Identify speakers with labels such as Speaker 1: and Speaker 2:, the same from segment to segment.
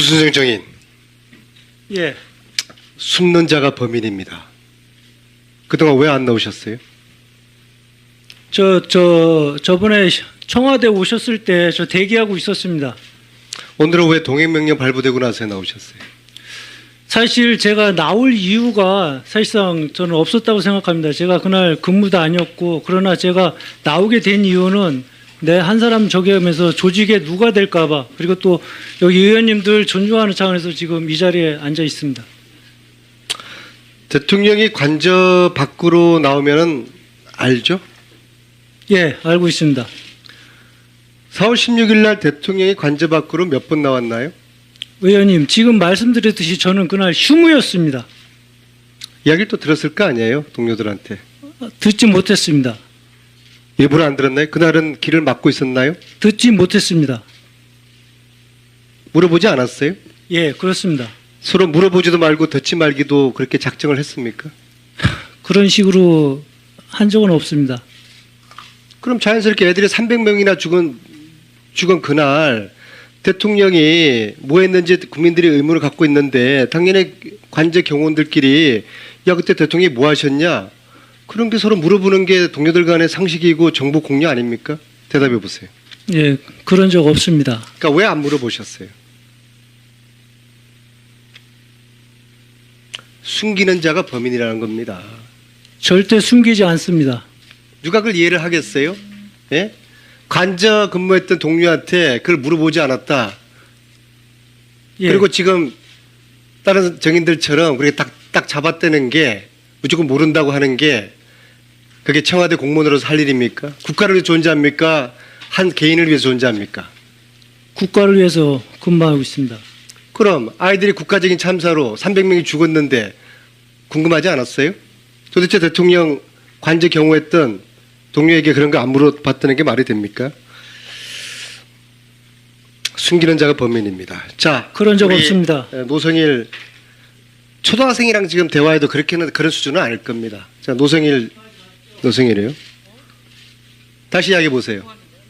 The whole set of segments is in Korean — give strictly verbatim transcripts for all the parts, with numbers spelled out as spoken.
Speaker 1: 유순생 정인,
Speaker 2: 예,
Speaker 1: 숨는 자가 범인입니다. 그동안 왜 안 나오셨어요?
Speaker 2: 저, 저, 저번에 청와대 오셨을 때 저 대기하고 있었습니다.
Speaker 1: 오늘은 왜 동행명령 발부되고 나서 나오셨어요?
Speaker 2: 사실 제가 나올 이유가 사실상 저는 없었다고 생각합니다. 제가 그날 근무도 아니었고, 그러나 제가 나오게 된 이유는 내 한 사람 저기하면서 조직에 누가 될까봐, 그리고 또 여기 의원님들 존중하는 차원에서 지금 이 자리에 앉아 있습니다.
Speaker 1: 대통령이 관저 밖으로 나오면은 알죠?
Speaker 2: 예, 알고 있습니다.
Speaker 1: 사월 십육일 날 대통령이 관저 밖으로 몇 번 나왔나요?
Speaker 2: 의원님, 지금 말씀드렸듯이 저는 그날 휴무였습니다.
Speaker 1: 이야기를 또 들었을 거 아니에요? 동료들한테.
Speaker 2: 듣지 못했습니다.
Speaker 1: 일부러 안 들었나요? 그날은 길을 막고 있었나요?
Speaker 2: 듣지 못했습니다.
Speaker 1: 물어보지 않았어요?
Speaker 2: 예, 그렇습니다.
Speaker 1: 서로 물어보지도 말고 듣지 말기도 그렇게 작정을 했습니까?
Speaker 2: 그런 식으로 한 적은 없습니다.
Speaker 1: 그럼 자연스럽게 애들이 삼백 명이나 죽은, 죽은 그날 대통령이 뭐 했는지 국민들이 의문을 갖고 있는데 당연히 관제 경호원들끼리 야 그때 대통령이 뭐 하셨냐? 그런 게 서로 물어보는 게 동료들 간의 상식이고 정보 공유 아닙니까? 대답해 보세요.
Speaker 2: 예, 그런 적 없습니다.
Speaker 1: 그러니까 왜 안 물어보셨어요? 숨기는 자가 범인이라는 겁니다.
Speaker 2: 절대 숨기지 않습니다.
Speaker 1: 누가 그걸 이해를 하겠어요? 예? 관저 근무했던 동료한테 그걸 물어보지 않았다.
Speaker 2: 예,
Speaker 1: 그리고 지금 다른 정인들처럼 그렇게 딱, 딱 잡아떼는 게 무조건 모른다고 하는 게 그게 청와대 공무원으로서 할 일입니까? 국가를 위해 존재합니까? 한 개인을 위해 존재합니까?
Speaker 2: 국가를 위해서 근무하고 있습니다.
Speaker 1: 그럼 아이들이 국가적인 참사로 삼백 명이 죽었는데 궁금하지 않았어요? 도대체 대통령 관제 경호했던 동료에게 그런 거 안 물어봤다는 게 말이 됩니까? 숨기는 자가 범인입니다. 자,
Speaker 2: 그런 적
Speaker 1: 우리
Speaker 2: 없습니다.
Speaker 1: 노성일 초등학생이랑 지금 대화해도 그렇게는 그런 수준은 아닐 겁니다. 자, 노성일 노성일이에요. 다시 이야기해 보세요.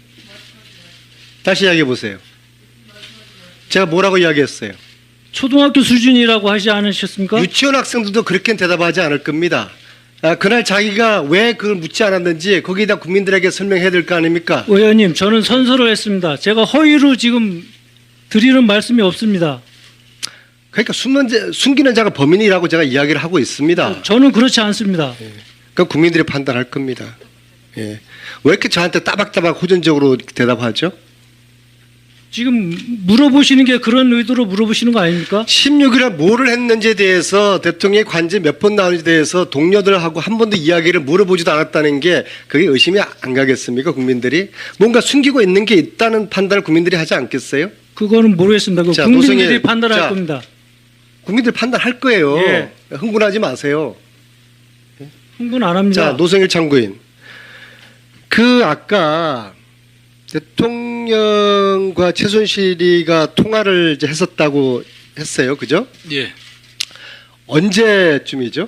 Speaker 1: 다시 이야기해 보세요. 제가 뭐라고 이야기했어요?
Speaker 2: 초등학교 수준이라고 하지 않으셨습니까?
Speaker 1: 유치원 학생들도 그렇게 대답하지 않을 겁니다. 아, 그날 자기가 왜 그걸 묻지 않았는지 거기다 국민들에게 설명해야 될 거 아닙니까?
Speaker 2: 의원님, 저는 선서를 했습니다. 제가 허위로 지금 드리는 말씀이 없습니다.
Speaker 1: 그러니까 숨는 자, 숨기는 자가 범인이라고 제가 이야기를 하고 있습니다.
Speaker 2: 저는 그렇지 않습니다.
Speaker 1: 그 국민들이 판단할 겁니다. 예. 왜 이렇게 저한테 따박따박 호전적으로 대답하죠?
Speaker 2: 지금 물어보시는 게 그런 의도로 물어보시는 거 아닙니까?
Speaker 1: 십육일에 뭐를 했는지에 대해서 대통령의 관제 몇 번 나오는지에 대해서 동료들하고 한 번도 이야기를 물어보지도 않았다는 게 그게 의심이 안 가겠습니까? 국민들이 뭔가 숨기고 있는 게 있다는 판단을 국민들이 하지 않겠어요?
Speaker 2: 그거는 모르겠습니다. 그
Speaker 1: 자,
Speaker 2: 국민들이
Speaker 1: 노승일,
Speaker 2: 판단할
Speaker 1: 자,
Speaker 2: 겁니다.
Speaker 1: 국민들이 판단할 거예요.
Speaker 2: 예.
Speaker 1: 흥분하지 마세요.
Speaker 2: 흥분 안 합니다.
Speaker 1: 자, 노성일 참고인. 그 아까 대통령과 최순실이가 통화를 이제 했었다고 했어요. 그죠?
Speaker 3: 예.
Speaker 1: 언제쯤이죠?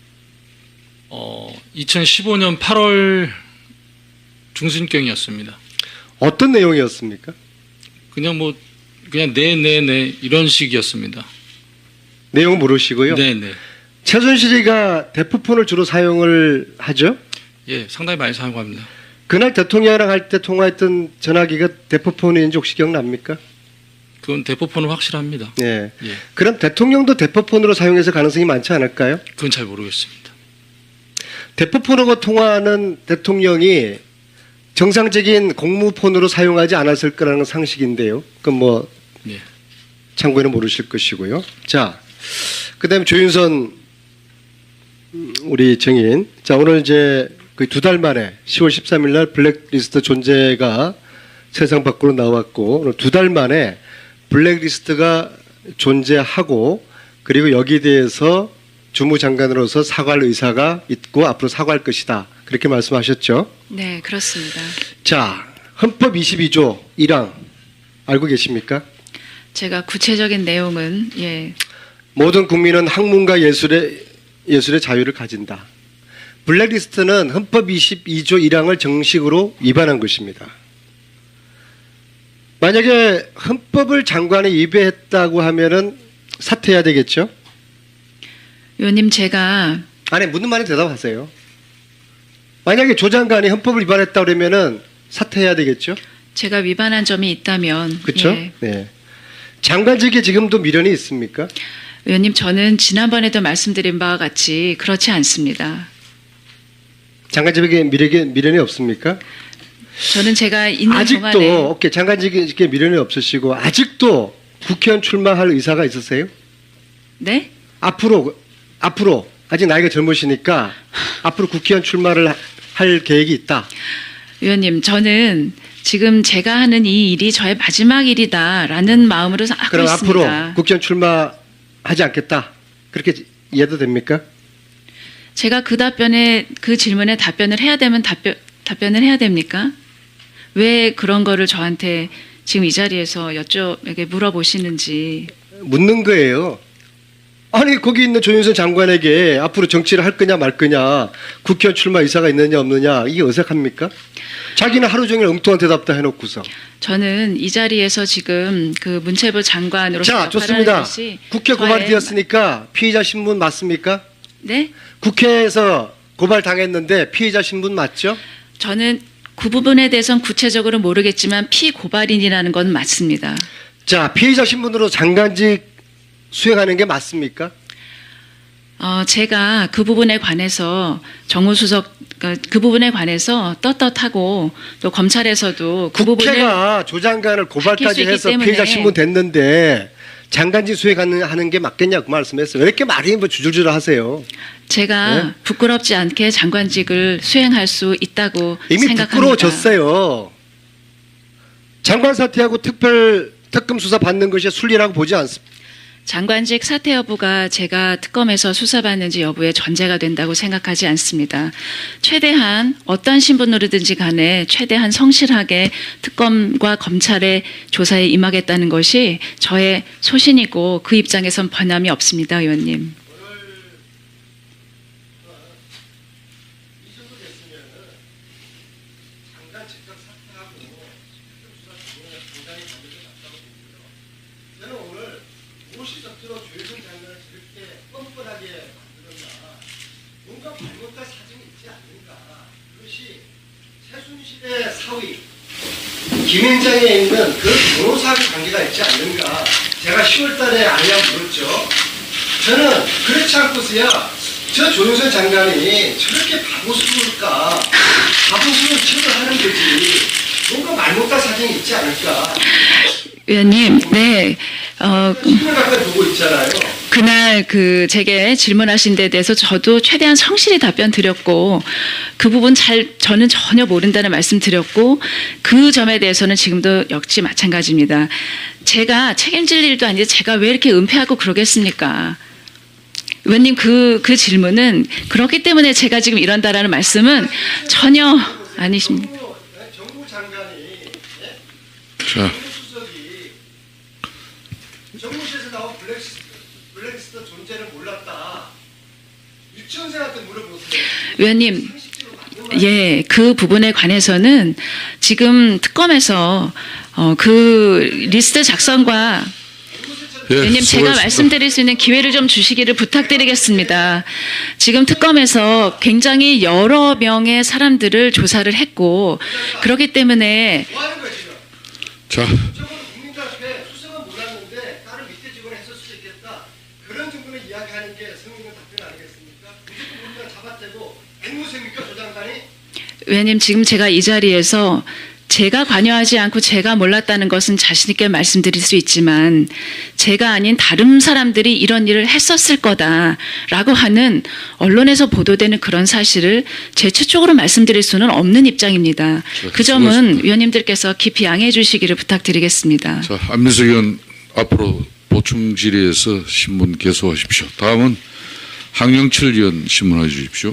Speaker 3: 어, 이천십오년 팔월 중순경이었습니다.
Speaker 1: 어떤 내용이었습니까?
Speaker 3: 그냥 뭐 그냥 네네네 이런 식이었습니다.
Speaker 1: 내용은 모르시고요.
Speaker 3: 네네.
Speaker 1: 최순실이가 대포폰을 주로 사용을 하죠?
Speaker 3: 예, 상당히 많이 사용합니다.
Speaker 1: 그날 대통령이랑 할 때 통화했던 전화기가 대포폰인지 혹시 기억납니까?
Speaker 3: 그건 대포폰은 확실합니다.
Speaker 1: 네.
Speaker 3: 예,
Speaker 1: 그럼 대통령도 대포폰으로 사용해서 가능성이 많지 않을까요?
Speaker 3: 그건 잘 모르겠습니다.
Speaker 1: 대포폰으로 통화하는 대통령이 정상적인 공무폰으로 사용하지 않았을 거라는 상식인데요. 그건 뭐
Speaker 3: 예.
Speaker 1: 참고에는 모르실 것이고요. 자, 그다음에 조윤선 우리 정인. 자, 오늘 이제 그 두 달 만에 시월 십삼일 날 블랙리스트 존재가 세상 밖으로 나왔고 오늘 두 달 만에 블랙리스트가 존재하고 그리고 여기에 대해서 주무장관으로서 사과할 의사가 있고 앞으로 사과할 것이다. 그렇게 말씀하셨죠?
Speaker 4: 네, 그렇습니다.
Speaker 1: 자, 헌법 이십이조 일항 알고 계십니까?
Speaker 4: 제가 구체적인 내용은 예,
Speaker 1: 모든 국민은 학문과 예술의 예술의 자유를 가진다. 블랙리스트는 헌법 이십이조 일항을 정식으로 위반한 것입니다. 만약에 헌법을 장관이 위배했다고 하면은 사퇴해야 되겠죠?
Speaker 4: 의원님 제가
Speaker 1: 아니 묻는 말에 대답하세요. 만약에 조 장관이 헌법을 위반했다 그러면은 사퇴해야 되겠죠?
Speaker 4: 제가 위반한 점이 있다면
Speaker 1: 그렇죠?
Speaker 4: 예.
Speaker 1: 네. 장관직에 지금도 미련이 있습니까?
Speaker 4: 의원님 저는 지난번에도 말씀드린 바와 같이 그렇지 않습니다.
Speaker 1: 장관직에 미련이, 미련이 없습니까?
Speaker 4: 저는 제가 있는
Speaker 1: 아직도
Speaker 4: 동안에
Speaker 1: 오케이 장관직에 미련이 없으시고 아직도 국회의원 출마할 의사가 있으세요?
Speaker 4: 네?
Speaker 1: 앞으로 앞으로 아직 나이가 젊으시니까 앞으로 국회의원 출마를 하- 할 계획이 있다.
Speaker 4: 의원님 저는 지금 제가 하는 이 일이 저의 마지막 일이다라는 마음으로 하고
Speaker 1: 그럼
Speaker 4: 있습니다.
Speaker 1: 앞으로 국회의원 출마하지 않겠다. 그렇게 이해도 됩니까?
Speaker 4: 제가 그 답변에 그 질문에 답변을 해야 되면 답변 답변을 해야 됩니까? 왜 그런 거를 저한테 지금 이 자리에서 여쭤 물어보시는지.
Speaker 1: 묻는 거예요. 아니 거기 있는 조윤선 장관에게 앞으로 정치를 할 거냐 말 거냐 국회의원 출마 의사가 있느냐 없느냐 이게 어색합니까? 자기는 하루 종일 엉뚱한 대답도 해놓고서.
Speaker 4: 저는 이 자리에서 지금 그 문체부 장관으로서
Speaker 1: 자
Speaker 4: 역할을
Speaker 1: 좋습니다.
Speaker 4: 하는 것이
Speaker 1: 국회
Speaker 4: 저의-
Speaker 1: 고발되었으니까 피의자 신분 맞습니까?
Speaker 4: 네?
Speaker 1: 국회에서 고발 당했는데 피의자 신분 맞죠?
Speaker 4: 저는 그 부분에 대해서는 구체적으로 모르겠지만 피고발인이라는 건 맞습니다.
Speaker 1: 자 피의자 신분으로 장관직 수행하는 게 맞습니까?
Speaker 4: 어, 제가 그 부분에 관해서 정무수석 그, 그 부분에 관해서 떳떳하고 또 검찰에서도 그 부분을
Speaker 1: 국회가 조 장관을
Speaker 4: 수
Speaker 1: 고발까지
Speaker 4: 있기
Speaker 1: 해서
Speaker 4: 때문에
Speaker 1: 피의자 신분 됐는데 장관직 수행하는 하는 게 맞겠냐 그 말씀했어요. 왜 이렇게 말이 뭐 주줄주줄 하세요?
Speaker 4: 제가
Speaker 1: 네?
Speaker 4: 부끄럽지 않게 장관직을 수행할 수 있다고
Speaker 1: 이미
Speaker 4: 생각합니다.
Speaker 1: 부끄러워졌어요. 장관 사퇴하고 특별 특검 수사 받는 것이 순리라고 보지 않습니다.
Speaker 4: 장관직 사퇴 여부가 제가 특검에서 수사받는지 여부에 전제가 된다고 생각하지 않습니다. 최대한 어떤 신분으로든지 간에 최대한 성실하게 특검과 검찰의 조사에 임하겠다는 것이 저의 소신이고 그 입장에선 변함이 없습니다, 의원님.
Speaker 1: 최순실의 사위 김앤장에 있는 그 변호사 관계가 있지 않는가. 제가 시월 달에 아내한테 물었죠. 저는 그렇지 않고서야 저 조윤선 장관이 저렇게 바보스러울까. 바보스러운 척을 하는 거지. 뭔가 말 못할 사정이 있지 않을까.
Speaker 4: 의원님, 네. 어,
Speaker 1: 신문 가까이 보고 있잖아요.
Speaker 4: 그날 그 제게 질문하신 데 대해서 저도 최대한 성실히 답변 드렸고 그 부분 잘 저는 전혀 모른다는 말씀 드렸고 그 점에 대해서는 지금도 역시 마찬가지입니다. 제가 책임질 일도 아닌데 제가 왜 이렇게 은폐하고 그러겠습니까? 의원님 그, 그 질문은 그렇기 때문에 제가 지금 이런다라는 말씀은 전혀 아니십니다.
Speaker 1: 정부, 정부 장관이 예?
Speaker 3: 자,
Speaker 1: 정부 수석이 정무실에서 나온 블랙리스트, 블랙리스트 존재를 몰랐다. 유치원생한테 물어보세요.
Speaker 4: 의원님, 예, 그 부분에 관해서는 지금 특검에서 어, 그 리스트 작성과
Speaker 3: 예,
Speaker 4: 의원님 제가
Speaker 3: 수고하셨습니다.
Speaker 4: 말씀드릴 수 있는 기회를 좀 주시기를 부탁드리겠습니다. 지금 특검에서 굉장히 여러 명의 사람들을 조사를 했고 그렇기 때문에
Speaker 1: 뭐 하는 거야 지금?
Speaker 3: 자,
Speaker 1: 저건 국민들 앞에 수석은 몰랐는데 다른 밑에 직원을 했을 수도 있겠다. 그런 정도는 이야기하는 게 성민의 답변 아니겠습니까? 무조건 우리가 잡아떼고 앵무새입니까 조 장관이?
Speaker 4: 의원님 지금 제가 이 자리에서 제가 관여하지 않고 제가 몰랐다는 것은 자신 있게 말씀드릴 수 있지만 제가 아닌 다른 사람들이 이런 일을 했었을 거다라고 하는 언론에서 보도되는 그런 사실을 제 최쪽으로 말씀드릴 수는 없는 입장입니다. 그 점은
Speaker 3: 수고하셨습니다.
Speaker 4: 위원님들께서 깊이 양해해 주시기를 부탁드리겠습니다.
Speaker 3: 자, 안민석 의원 앞으로 보충 질의에서 신문 개소하십시오. 다음은 황영철 의원 신문해 주십시오.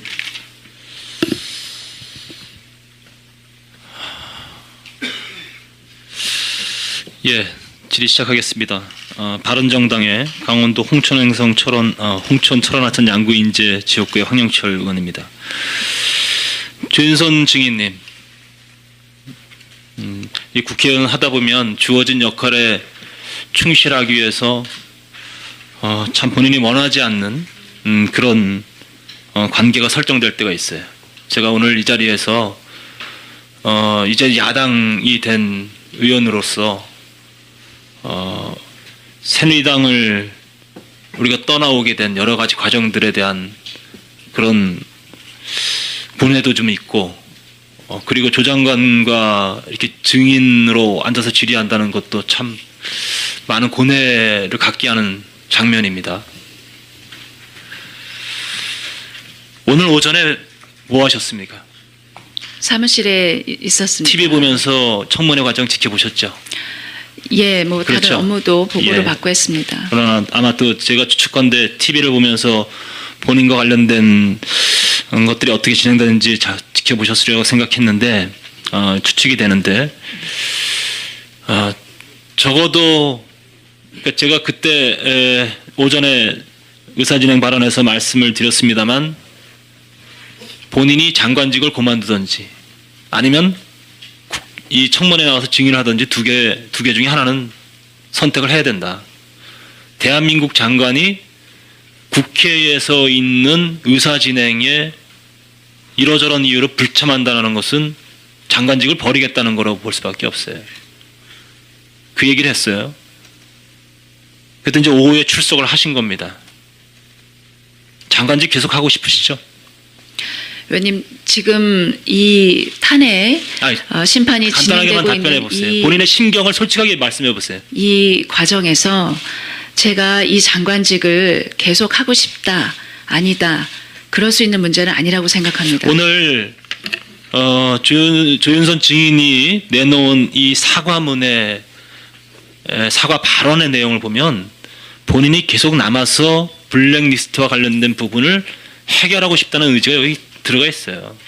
Speaker 5: 예, 질의 시작하겠습니다. 어, 바른정당의 강원도 홍천행성 철원, 어, 홍천 철원하천 양구인제 지역구의 황영철 의원입니다. 조윤선 증인님, 음, 이 국회의원 하다 보면 주어진 역할에 충실하기 위해서 어, 참 본인이 원하지 않는 음, 그런 어, 관계가 설정될 때가 있어요. 제가 오늘 이 자리에서 어, 이제 야당이 된 의원으로서 어, 새누리당을 우리가 떠나오게 된 여러 가지 과정들에 대한 그런 분해도 좀 있고, 어, 그리고 조 장관과 이렇게 증인으로 앉아서 질의한다는 것도 참 많은 고뇌를 갖게 하는 장면입니다. 오늘 오전에 뭐 하셨습니까?
Speaker 4: 사무실에 이- 있었습니다.
Speaker 5: 티비 보면서 청문회 과정 지켜보셨죠?
Speaker 4: 예, 뭐 다른
Speaker 5: 그렇죠.
Speaker 4: 업무도 보고를
Speaker 5: 예.
Speaker 4: 받고 했습니다.
Speaker 5: 그러나 아마 또 제가 추측건데 티비를 보면서 본인과 관련된 것들이 어떻게 진행되는지 자, 지켜보셨으리라고 생각했는데 어, 추측이 되는데 어, 적어도 그러니까 제가 그때 에, 오전에 의사진행 발언에서 말씀을 드렸습니다만 본인이 장관직을 그만두든지 아니면 국- 이 청문회에 나와서 증인을 하든지 두 개, 두 개 중에 하나는 선택을 해야 된다. 대한민국 장관이 국회에서 있는 의사진행에 이러저런 이유로 불참한다는 것은 장관직을 버리겠다는 거라고 볼 수밖에 없어요. 그 얘기를 했어요. 그때 이제 오후에 출석을 하신 겁니다. 장관직 계속 하고 싶으시죠?
Speaker 4: 의원님, 지금 이 탄핵
Speaker 5: 아니,
Speaker 4: 어, 심판이
Speaker 5: 간단하게만
Speaker 4: 진행되고
Speaker 5: 답변해
Speaker 4: 있는
Speaker 5: 보세요.
Speaker 4: 이,
Speaker 5: 본인의 심경을 솔직하게 말씀해 보세요.
Speaker 4: 이 과정에서 제가 이 장관직을 계속 하고 싶다, 아니다, 그럴 수 있는 문제는 아니라고 생각합니다.
Speaker 5: 오늘 어, 조, 조윤선 증인이 내놓은 이 사과문의 에, 사과 발언의 내용을 보면 본인이 계속 남아서 블랙리스트와 관련된 부분을 해결하고 싶다는 의지가 여기 들어가 있어요.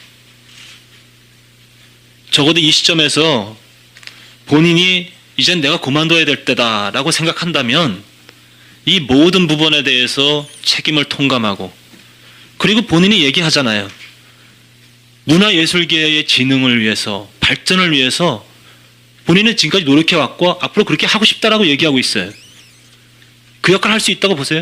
Speaker 5: 적어도 이 시점에서 본인이 이젠 내가 그만둬야 될 때다라고 생각한다면 이 모든 부분에 대해서 책임을 통감하고 그리고 본인이 얘기하잖아요. 문화예술계의 진흥을 위해서 발전을 위해서 본인은 지금까지 노력해왔고 앞으로 그렇게 하고 싶다라고 얘기하고 있어요. 그 역할을 할 수 있다고 보세요.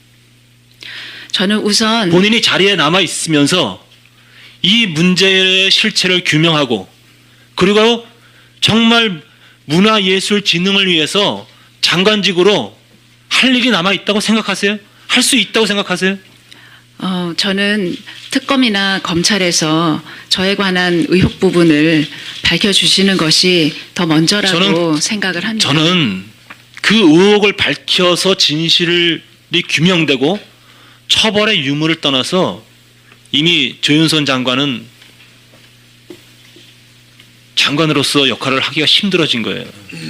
Speaker 4: 저는 우선
Speaker 5: 본인이 자리에 남아 있으면서 이 문제의 실체를 규명하고 그리고 정말 문화예술 진흥을 위해서 장관직으로 할 일이 남아 있다고 생각하세요? 할 수 있다고 생각하세요?
Speaker 4: 어, 저는 특검이나 검찰에서 저에 관한 의혹 부분을 밝혀주시는 것이 더 먼저라고
Speaker 5: 저는-
Speaker 4: 생각을 합니다.
Speaker 5: 저는 그 의혹을 밝혀서 진실이 규명되고 처벌의 유무를 떠나서 이미 조윤선 장관은 장관으로서 역할을 하기가 힘들어진 거예요.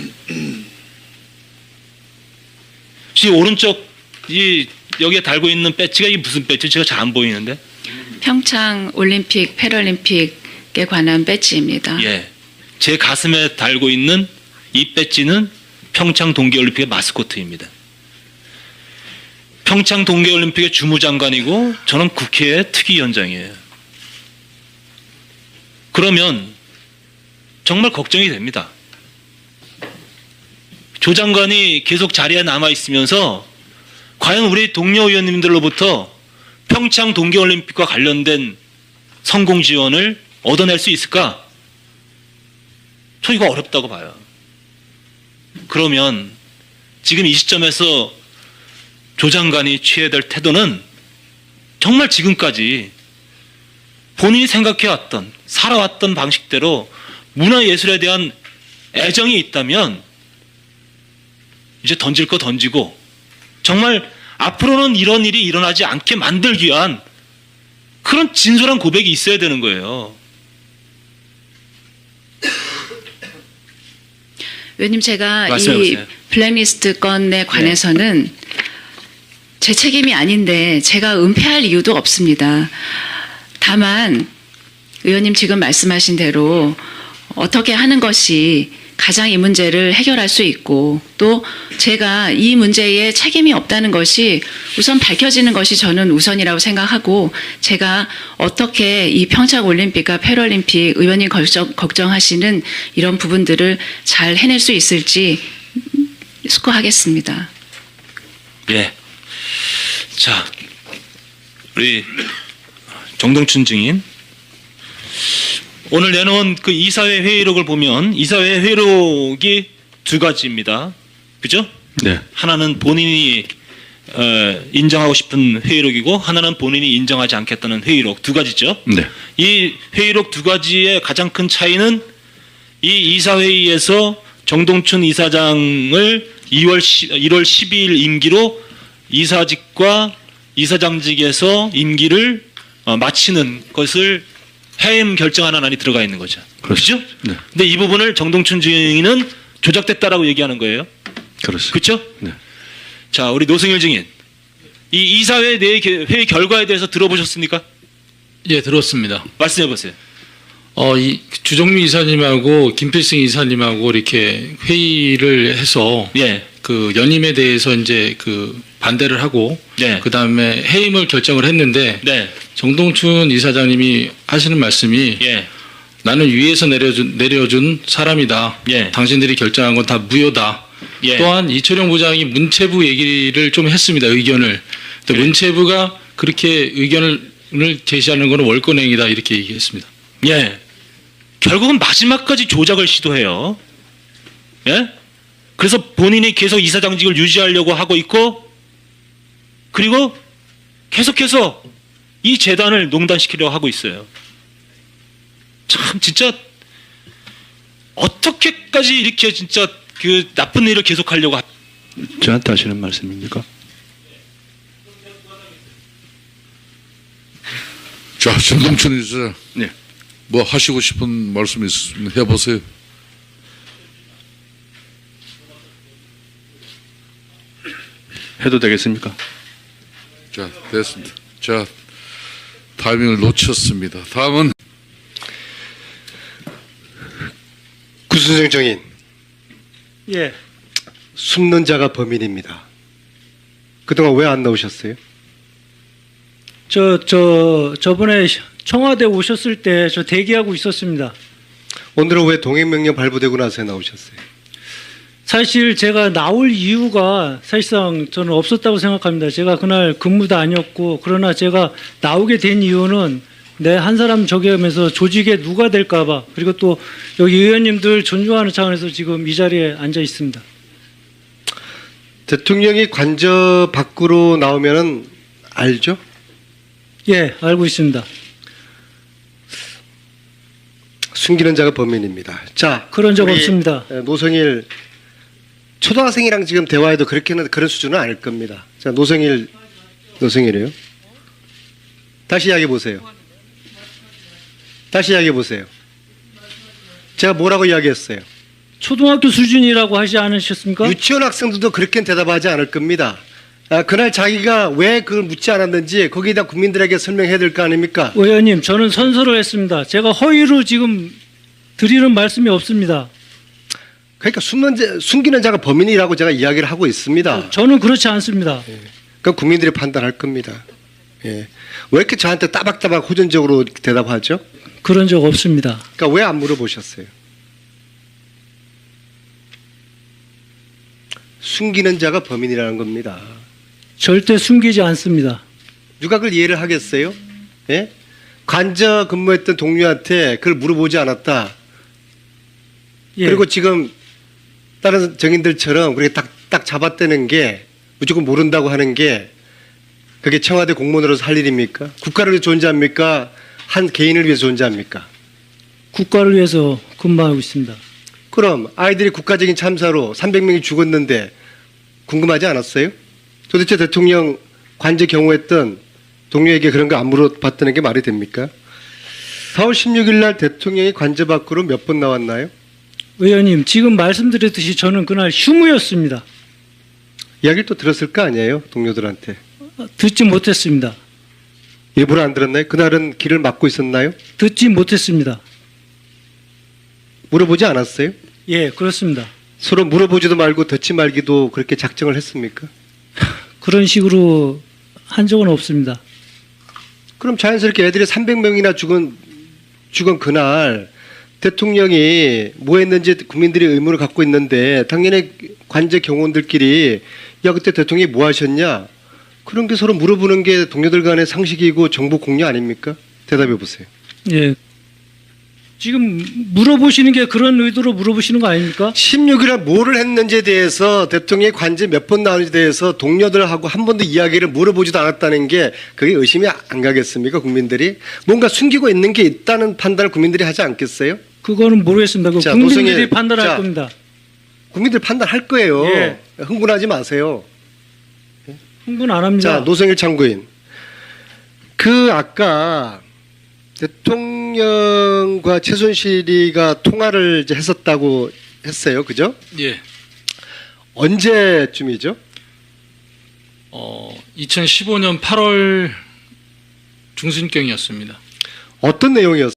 Speaker 5: 이 오른쪽 이 여기에 달고 있는 배지가 이게 무슨 배지? 제가 잘 안 보이는데.
Speaker 4: 평창 올림픽, 패럴림픽에 관한 배지입니다.
Speaker 5: 예, 제 가슴에 달고 있는 이 배지는 평창 동계올림픽의 마스코트입니다. 평창 동계올림픽의 주무장관이고 저는 국회의 특위위원장이에요. 그러면 정말 걱정이 됩니다. 조 장관이 계속 자리에 남아 있으면서 과연 우리 동료 의원님들로부터 평창 동계올림픽과 관련된 성공 지원을 얻어낼 수 있을까? 저 이거 어렵다고 봐요. 그러면 지금 이 시점에서 조 장관이 취해야 될 태도는 정말 지금까지 본인이 생각해왔던 살아왔던 방식대로 문화예술에 대한 애정이 있다면 이제 던질 거 던지고 정말 앞으로는 이런 일이 일어나지 않게 만들기 위한 그런 진솔한 고백이 있어야 되는 거예요.
Speaker 4: 의원님, 제가 이
Speaker 5: 말씀해보세요.
Speaker 4: 블랙리스트 건에 관해서는 제 책임이 아닌데 제가 은폐할 이유도 없습니다. 다만 의원님 지금 말씀하신 대로 어떻게 하는 것이 가장 이 문제를 해결할 수 있고 또 제가 이 문제에 책임이 없다는 것이 우선 밝혀지는 것이 저는 우선이라고 생각하고 제가 어떻게 이 평창 올림픽과 패럴림픽 의원님 걱정, 걱정하시는 이런 부분들을 잘 해낼 수 있을지 숙고하겠습니다.
Speaker 5: 예. 자, 우리 정동춘 증인. 오늘 내놓은 그 이사회 회의록을 보면 이사회 회의록이 두 가지입니다. 그죠?
Speaker 3: 네.
Speaker 5: 하나는 본인이 어, 인정하고 싶은 회의록이고 하나는 본인이 인정하지 않겠다는 회의록 두 가지죠.
Speaker 3: 네.
Speaker 5: 이 회의록 두 가지의 가장 큰 차이는 이 이사회의에서 정동춘 이사장을 이월 일월 십이일 임기로 이사직과 이사장직에서 임기를 어, 마치는 것을 해임 결정하는 안이 들어가 있는 거죠. 그렇죠?
Speaker 3: 네.
Speaker 5: 근데 이 부분을 정동춘 증인은 조작됐다라고 얘기하는 거예요.
Speaker 3: 그렇습니다.
Speaker 5: 그렇죠?
Speaker 3: 네.
Speaker 5: 자, 우리 노승일 증인. 이 이사회 내 회의 결과에 대해서 들어보셨습니까?
Speaker 6: 예, 들었습니다.
Speaker 5: 말씀해 보세요.
Speaker 6: 어, 이 주정미 이사님하고 김필승 이사님하고 이렇게 회의를 해서
Speaker 5: 예.
Speaker 6: 그 연임에 대해서 이제 그 반대를 하고
Speaker 5: 네.
Speaker 6: 그 다음에 해임을 결정을 했는데
Speaker 5: 네.
Speaker 6: 정동춘 이사장님이 하시는 말씀이
Speaker 5: 예.
Speaker 6: 나는 위에서 내려준 내려준 사람이다.
Speaker 5: 예.
Speaker 6: 당신들이 결정한 건 다 무효다.
Speaker 5: 예.
Speaker 6: 또한 이철용 부장이 문체부 얘기를 좀 했습니다. 의견을. 근데
Speaker 5: 네.
Speaker 6: 문체부가 그렇게 의견을 제시하는 것은 월권행위다 이렇게 얘기했습니다.
Speaker 5: 예. 결국은 마지막까지 조작을 시도해요. 예? 그래서 본인이 계속 이사장직을 유지하려고 하고 있고, 그리고 계속해서 이 재단을 농단시키려고 하고 있어요. 참, 진짜, 어떻게까지 이렇게 진짜 그 나쁜 일을 계속하려고 하...
Speaker 7: 저한테 하시는 말씀입니까?
Speaker 3: 자, 정동춘 이사장.
Speaker 7: 네.
Speaker 3: 뭐 하시고 싶은 말씀 있으면 해보세요.
Speaker 7: 해도 되겠습니까?
Speaker 3: 자, 됐습니다. 자, 타이밍을 놓쳤습니다. 다음은
Speaker 1: 구순생 정인.
Speaker 2: 예.
Speaker 1: 숨는 자가 범인입니다. 그동안 왜 안 나오셨어요?
Speaker 2: 저, 저, 저번에 청와대 오셨을 때 저 대기하고 있었습니다.
Speaker 1: 오늘은 왜 동행명령 발부되고 나서 나오셨어요?
Speaker 2: 사실 제가 나올 이유가 사실상 저는 없었다고 생각합니다. 제가 그날 근무도 아니었고, 그러나 제가 나오게 된 이유는 내 한 사람 저기하면서 조직에 누가 될까봐, 그리고 또 여기 의원님들 존중하는 차원에서 지금 이 자리에 앉아 있습니다.
Speaker 1: 대통령이 관저 밖으로 나오면은 알죠?
Speaker 2: 예, 알고 있습니다.
Speaker 1: 숨기는 자가 범인입니다. 자,
Speaker 2: 그런 적
Speaker 1: 우리
Speaker 2: 없습니다.
Speaker 1: 노성일 초등학생이랑 지금 대화해도 그렇게는 그런 수준은 아닐 겁니다. 자, 노성일 노성일이요. 다시 이야기해 보세요. 다시 이야기해 보세요. 제가 뭐라고 이야기했어요?
Speaker 2: 초등학교 수준이라고 하지 않으셨습니까?
Speaker 1: 유치원 학생들도 그렇게 대답하지 않을 겁니다. 아, 그날 자기가 왜 그걸 묻지 않았는지 거기다 국민들에게 설명해야 될 거 아닙니까?
Speaker 2: 의원님, 저는 선서를 했습니다. 제가 허위로 지금 드리는 말씀이 없습니다.
Speaker 1: 그러니까 숨는 자, 숨기는 자가 범인이라고 제가 이야기를 하고 있습니다.
Speaker 2: 저는 그렇지 않습니다.
Speaker 1: 그건 국민들이 판단할 겁니다. 예. 왜 이렇게 저한테 따박따박 호전적으로 대답하죠?
Speaker 2: 그런 적 없습니다.
Speaker 1: 그러니까 왜 안 물어보셨어요? 숨기는 자가 범인이라는 겁니다.
Speaker 2: 절대 숨기지 않습니다.
Speaker 1: 누가 그걸 이해를 하겠어요? 예? 관저 근무했던 동료한테 그걸 물어보지 않았다.
Speaker 2: 예.
Speaker 1: 그리고 지금 다른 정인들처럼 그렇게 딱, 딱 잡아떼는 게 무조건 모른다고 하는 게 그게 청와대 공무원으로서 할 일입니까? 국가를 위해 존재합니까? 한 개인을 위해 존재합니까?
Speaker 2: 국가를 위해서 근무하고 있습니다.
Speaker 1: 그럼 아이들이 국가적인 참사로 삼백 명이 죽었는데 궁금하지 않았어요? 도대체 대통령 관제 경호했던 동료에게 그런 거 안 물어봤다는 게 말이 됩니까? 사월 십육일 날 대통령이 관제 밖으로 몇 번 나왔나요?
Speaker 2: 의원님, 지금 말씀드렸듯이 저는 그날 휴무였습니다.
Speaker 1: 이야기를 또 들었을 거 아니에요? 동료들한테.
Speaker 2: 듣지 못했습니다.
Speaker 1: 일부러 안 들었나요? 그날은 길을 막고 있었나요?
Speaker 2: 듣지 못했습니다.
Speaker 1: 물어보지 않았어요?
Speaker 2: 예, 그렇습니다.
Speaker 1: 서로 물어보지도 말고 듣지 말기도 그렇게 작정을 했습니까?
Speaker 2: 그런 식으로 한 적은 없습니다.
Speaker 1: 그럼 자연스럽게 애들이 삼백 명이나 죽은 죽은 그날 대통령이 뭐 했는지 국민들이 의문을 갖고 있는데 당연히 관제 경호원들끼리 야 그때 대통령이 뭐 하셨냐 그런 게 서로 물어보는 게 동료들 간의 상식이고 정보 공유 아닙니까? 대답해 보세요.
Speaker 2: 예. 지금 물어보시는 게 그런 의도로 물어보시는 거 아닙니까?
Speaker 1: 십육 일에 뭐를 했는지에 대해서 대통령의 관제 몇 번 나오는지에 대해서 동료들하고 한 번도 이야기를 물어보지도 않았다는 게 그게 의심이 안 가겠습니까? 국민들이 뭔가 숨기고 있는 게 있다는 판단을 국민들이 하지 않겠어요?
Speaker 2: 그거는 모르겠습니다. 그
Speaker 1: 자,
Speaker 2: 국민들이
Speaker 1: 노승일,
Speaker 2: 판단할
Speaker 1: 자,
Speaker 2: 겁니다.
Speaker 1: 국민들 판단할 거예요.
Speaker 2: 예.
Speaker 1: 흥분하지 마세요.
Speaker 2: 흥분 안 합니다.
Speaker 1: 자, 노승일 참고인. 그 아까 대통령과 최순실이가 통화를 이제 했었다고 했어요. 그죠?
Speaker 6: 예.
Speaker 1: 언제쯤이죠?
Speaker 6: 어, 이천십오 년 팔월 중순경이었습니다.
Speaker 1: 어떤 내용이었어요?